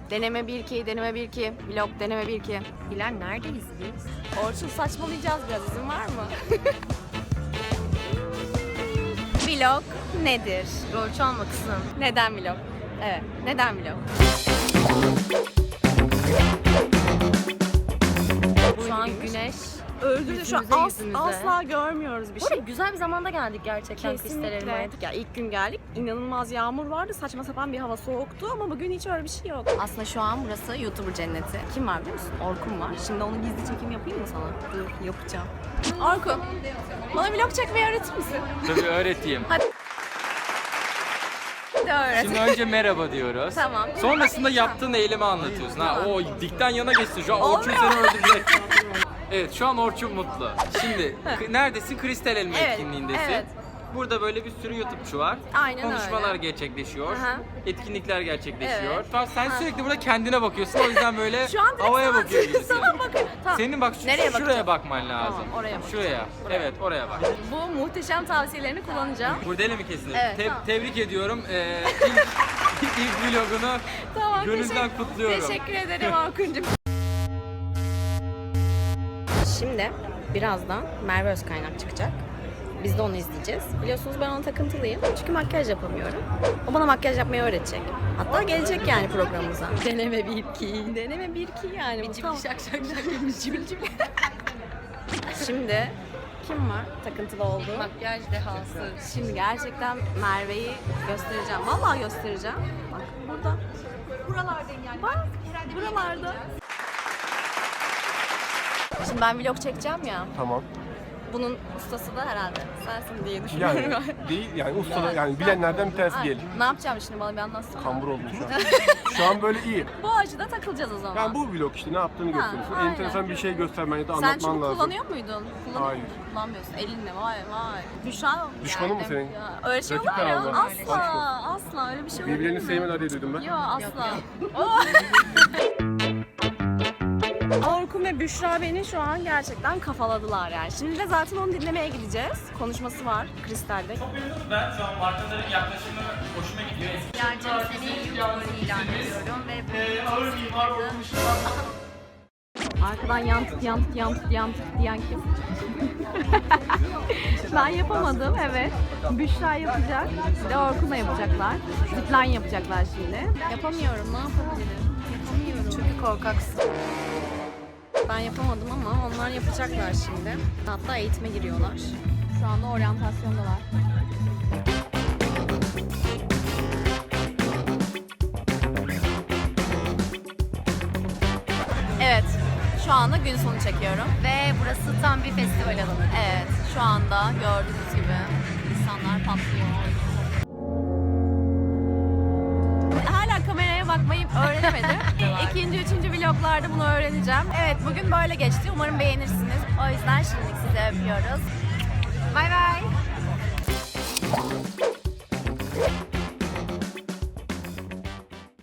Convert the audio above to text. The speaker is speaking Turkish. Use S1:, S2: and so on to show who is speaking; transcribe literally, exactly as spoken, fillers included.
S1: Deneme bir iki, deneme bir iki, vlog deneme bir iki. Hilal neredeyiz biz? Orçun saçmalayacağız biraz, izin var mı? Vlog nedir? Rol çalma kızım. Neden vlog? Evet, neden vlog? Şu an güneş öldü. Şu an
S2: Yüzümüze,
S1: as,
S2: yüzümüze.
S1: asla görmüyoruz bir
S2: Bu arada
S1: şey.
S2: güzel bir zamanda geldik gerçekten Kristal
S1: Kesinlikle.
S2: Elma'ya.
S1: Ya ilk gün geldik, inanılmaz yağmur vardı, saçma sapan bir hava soğuktu ama bugün hiç öyle bir şey yok. Aslında şu an burası YouTuber cenneti. Kim var biliyor musun? Orkun var. Şimdi onun gizli çekim yapayım mı sana? Dur, yapacağım. Orkun, bana vlog çekmeyi öğretir misin?
S3: Tabii öğreteyim.
S1: Hadi öğret.
S3: Şimdi önce merhaba diyoruz.
S1: Tamam.
S3: Sonrasında yaptığın eylemi anlatıyorsun. Ha, o dikten yana geçti. Şu an Orçun seni öldürecek. Evet, şu an Orçun mutlu. Şimdi k- neredesin? Kristal Elma
S1: Evet,
S3: etkinliğindesin.
S1: evet.
S3: Burada böyle bir sürü YouTube'çu var.
S1: Aynen
S3: Konuşmalar
S1: öyle.
S3: gerçekleşiyor.
S1: Aha.
S3: Etkinlikler gerçekleşiyor.
S1: Evet.
S3: Tamam, sen sürekli burada kendine bakıyorsun. O yüzden böyle
S1: Şu an direkt
S3: havaya
S1: sana-
S3: bakıyor gibisin.
S1: sana bakıyorum. Tamam.
S3: Senin bak şu-
S1: Nereye
S3: şuraya
S1: bakacağım?
S3: bakman lazım.
S1: Tamam, oraya bakacağım.
S3: Şuraya. Evet, oraya bak.
S1: Bu muhteşem tavsiyelerini kullanacağım.
S3: Kurdele mi kesilir?
S1: Evet,
S3: Te-
S1: tamam.
S3: Tebrik ediyorum. Ee, ilk, ilk vlogunu
S1: Tamam,
S3: gönülden
S1: teşekkür-
S3: kutluyorum.
S1: Teşekkür ederim Orkun'cum. Şimdi birazdan Merve Özkaynak çıkacak. Biz de onu izleyeceğiz. Biliyorsunuz ben ona takıntılıyım. Çünkü makyaj yapamıyorum. O bana makyaj yapmayı öğretecek. Hatta gelecek yani programımıza. Deneme bir iki. Deneme bir iki yani. Bu tam-
S2: şak şak şak.
S1: Cibil cibil. Şimdi kim var takıntılı olduğu?
S2: Makyaj dehası.
S1: Şimdi gerçekten Merve'yi göstereceğim. Vallahi göstereceğim. Bak burada. Buralardayım yani. Bak buralarda. Şimdi ben vlog çekeceğim ya.
S4: Tamam.
S1: Bunun ustası da herhalde sensin diye düşünüyorum.
S4: Yani değil yani ustada yani bilenlerden bir tanesi
S1: Ay,
S4: diyelim.
S1: Ne yapacağım şimdi bana bir anlatsana.
S4: Kambur oldum şu an. Şu an böyle iyi.
S1: Bu açıda takılacağız o zaman.
S4: Yani bu vlog işte ne yaptığını
S1: Ha,
S4: gösteriyorsun.
S1: aynen.
S4: Enteresan bir şey göstermen ya da
S1: Sen
S4: anlatman
S1: çünkü
S4: lazım.
S1: kullanıyor muydun? Kullanıyor
S4: Hayır.
S1: muydun? Kullanmıyorsun. Elinle vay vay. Büşra
S4: Düşmanın mı
S1: yani.
S4: senin?
S1: Ya, öyle şey olur
S4: Rakip
S1: mu ya?
S4: herhalde.
S1: Asla. Asla öyle bir şey olur mu?
S4: Birbirlerini sevmeler diye duydum ben.
S1: Yok asla. Orkun ve Büşra beni şu an gerçekten kafaladılar yani. Şimdi de zaten onu dinlemeye gideceğiz. Konuşması var Kristal'de.
S3: Ben şu an markaların yaklaşımı hoşuma gidiyor.
S2: Yarcım seni YouTuber ilan ediyorum ve
S3: Ağır mimar olmuş.
S1: Arkadan yantık yantık yantık yantık diyen kim? Ben yapamadım evet. Büşra yapacak. Bir de Orkun'la yapacaklar. Zipline yapacaklar şimdi. Yapamıyorum ne yapabilirim? Yapamıyorum. Çünkü korkaksın. Ben yapamadım ama onlar yapacaklar şimdi. Hatta eğitime giriyorlar. Şu anda oryantasyondalar. Evet. Şu anda gün sonu çekiyorum.
S2: ve burası tam bir festival alanı.
S1: Evet. Şu anda gördüğünüz gibi insanlar patlıyor. Hala kameraya bakmayı öğrenemedim. İkinci, üçüncü vloglarda bunu öğreneceğim. Evet, bugün böyle geçti. Umarım beğenirsiniz. O yüzden şimdilik sizi öpüyoruz. Bay bay.